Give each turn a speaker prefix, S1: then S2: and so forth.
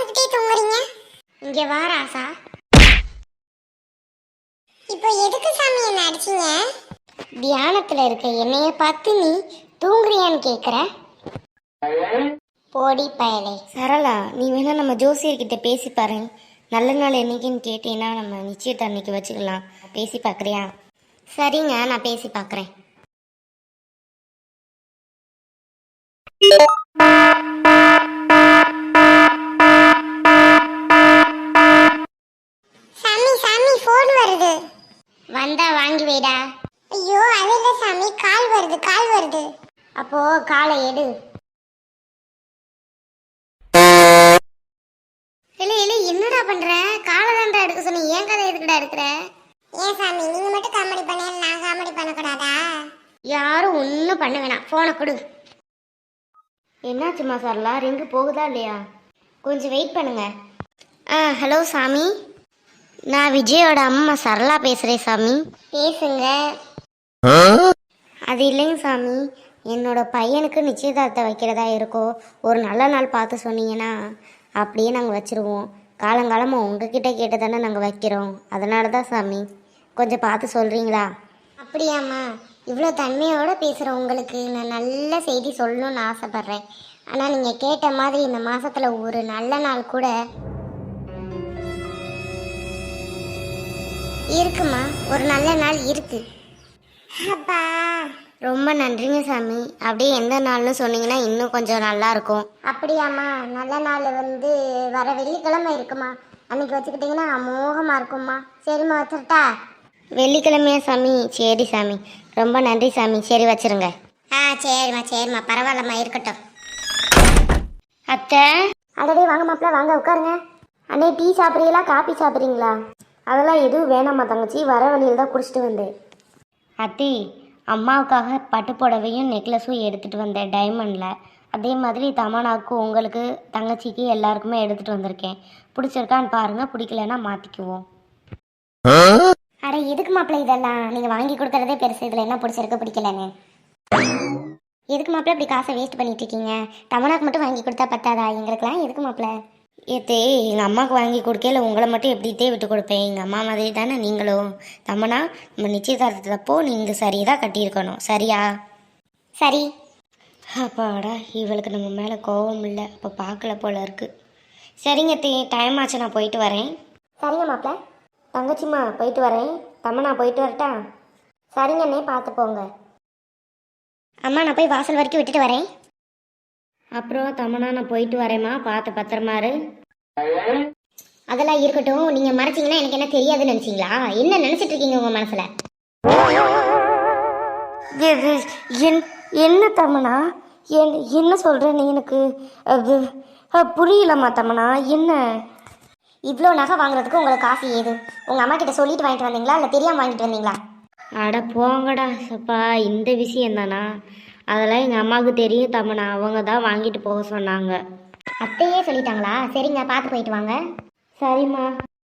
S1: பார்த்துக்கிட்டே தூங்குறீங்க?
S2: இங்க வா ராசா.
S1: இப்போ எதுக்கு சாமி என்ன அடிச்சீங்க?
S2: தியானத்துல இருக்க என்னைய பார்த்து நீ தூங்குறியான்னு கேக்குற? போடி பயலே. சரளா, நீ வேணா நம்ம ஜோசியர்கிட்ட பேசி பாரு. நல்ல நாள் என்னைக்குன்னு கேட்டீங்கன்னா நம்ம நிச்சயத்தை அன்னைக்கு வச்சுக்கலாம். பேசி பார்க்குறியா? சரிங்க, நான் பேசி பார்க்குறேன்.
S1: சாமி சாமி ஃபோன் வருது.
S2: வந்தா வாங்கி வைடா.
S1: ஐயோ அது இல்ல சாமி, கால் வருது கால் வருது.
S2: அப்போ காலை எடு. இல்லை இல்லை, என்னடா பண்ற? காலை தான்டா எடுக்க சொன்ன, ஏன் கதை எதுக்குடா எடுக்கிற?
S1: ஏன் சாமி நீங்க மட்டும் காமெடி பண்ண, நான் காமெடி பண்ணக்கூடாதா?
S2: யாரும் ஒன்றும் பண்ண வேணாம், ஃபோனை கொடு. என்னாச்சுமா சரளா, ரிங்கு போகுதா இல்லையா? கொஞ்சம் வெயிட் பண்ணுங்க. ஹலோ சாமி, நான் விஜயோட அம்மா சரளா பேசுகிறேன் சாமி. பேசுங்க. அது இல்லைங்க சாமி, என்னோட பையனுக்கு நிச்சயதார்த்தம் வைக்கிறதா இருக்கோ, ஒரு நல்ல நாள் பார்த்து சொன்னீங்கன்னா அப்படியே நாங்கள் வச்சுருவோம். காலங்காலமாக உங்ககிட்ட கேட்டு தானே நாங்கள் வைக்கிறோம், அதனால தான் சாமி. கொஞ்சம் பார்த்து சொல்கிறீங்களா? அப்படியாம்மா, இவ்வளோ தன்மையோடு பேசுகிற உங்களுக்கு நான் நல்ல செய்தி சொல்லணும்னு ஆசைப்பட்றேன். ஆனால் நீங்கள் கேட்ட மாதிரி இந்த மாதத்தில் ஒரு நல்ல நாள் கூட இருக்குமா, ஒரு நல்ல நாள் இருக்கு.
S1: அப்பா
S2: ரொம்ப நன்றிங்க சாமி. அப்படியே எந்த நாள்னு சொன்னீங்கன்னா இன்னும் கொஞ்சம் நல்லா இருக்கும்.
S1: அப்படியாம்மா, நல்ல நாள் வந்து வர வெள்ளிக்கிழமை இருக்குமா, அன்னைக்கு வச்சுக்கிட்டிங்கன்னா அமோகமாக இருக்கும்மா. சரிம்மா வச்சுருட்டா?
S2: வெள்ளிக்கிழமையா சாமி? சரி சாமி, ரொம்ப நன்றி சாமி. சரி வச்சிருங்க.
S1: சரிம்மா சரிம்மா, பரவாயில்லம்மா, இருக்கட்டும்.
S2: அத்தை.
S1: அடடே வாங்க மாப்பிள்ள, வாங்க உட்காருங்க.
S2: அண்ணே, டீ சாப்பிட்றீங்களா காபி சாப்பிட்றீங்களா?
S3: அதெல்லாம் எதுவும் வேணாம்மா தங்கச்சி, வர வழியில் தான் குடிச்சிட்டு வந்தேன்.
S2: அத்தி, அம்மாவுக்காக பட்டு புடவையும் நெக்லஸும் எடுத்துகிட்டு வந்தேன் டைமண்டில். அதே மாதிரி தமனாவுக்கு, உங்களுக்கு, தங்கச்சிக்கு எல்லாருக்குமே எடுத்துகிட்டு வந்திருக்கேன். பிடிச்சிருக்கான்னு பாருங்கள், பிடிக்கலன்னா மாற்றிக்குவோம்.
S1: அட எதுக்கு மாப்பிள்ள இதெல்லாம்? நீங்கள் வாங்கி கொடுக்குறதே பெருசு, இதில் என்ன பிடிச்சிருக்கு பிடிக்கலன்னு? எதுக்கு மாப்பிள்ள இப்படி காசை வேஸ்ட் பண்ணிட்டு இருக்கீங்க? தமனாக்கு மட்டும் வாங்கி கொடுத்தா பத்தாதா? எங்களுக்குலாம் எதுக்கு மாப்பிள்ள?
S2: ஏத்தே, எங்கள் அம்மாவுக்கு வாங்கி கொடுக்கல, உங்களை மட்டும் எப்படித்தே விட்டு கொடுப்பேன்? எங்கள் அம்மா மாதிரி தானே நீங்களும். தமனா, நம்ம நிச்சயதார்த்தத்தப்போ நீங்கள் சரியாக கட்டியிருக்கணும், சரியா?
S1: சரி.
S2: அப்பாடா, இவளுக்கு நம்ம மேலே கோபம் இல்லை, அப்போ பார்க்கல போல இருக்குது. சரிங்க தே, டைம் ஆச்சு, நான் போயிட்டு வரேன்.
S1: சரிங்க மாப்பிள்ள.
S3: தங்கச்சிம்மா போயிட்டு வரேன். தம்மனா போயிட்டு வரட்டா?
S1: சரிங்கண்ணே, பார்த்து போங்க.
S2: அம்மா, நான் போய் வாசல் வரைக்கும் விட்டுட்டு வரேன்.
S3: அப்புறம் தம்மனா, நான் போயிட்டு வரேம்மா, பார்த்து பத்திரமாரு.
S2: அதெல்லாம் இருக்கட்டும், நீங்கள் மறைச்சிங்கன்னா எனக்கு என்ன தெரியாதுன்னு நினச்சிங்களா? என்ன நினச்சிட்டு இருக்கீங்க உங்கள் மனசில்?
S3: என்ன தம்மனா, என்ன சொல்கிற நீ? எனக்கு புரியலம்மா தம்மனா, என்ன?
S2: இவ்வளோ நகை வாங்குறதுக்கு உங்களுக்கு காசு ஏது? உங்கள் அம்மா கிட்ட சொல்லிட்டு வாங்கிட்டு வந்தீங்களா, இல்லை தெரியாமல் வாங்கிட்டு வந்தீங்களா?
S3: அட போங்கடா சப்பா, இந்த விஷயம் தானா? அதெல்லாம் எங்கள் அம்மாவுக்கு தெரியும் தம்மனா, அவங்க தான் வாங்கிட்டு போக சொன்னாங்க.
S2: அத்தையே சொல்லிட்டாங்களா? சரிங்க, பார்த்து போயிட்டு வாங்க.
S3: சரிம்மா.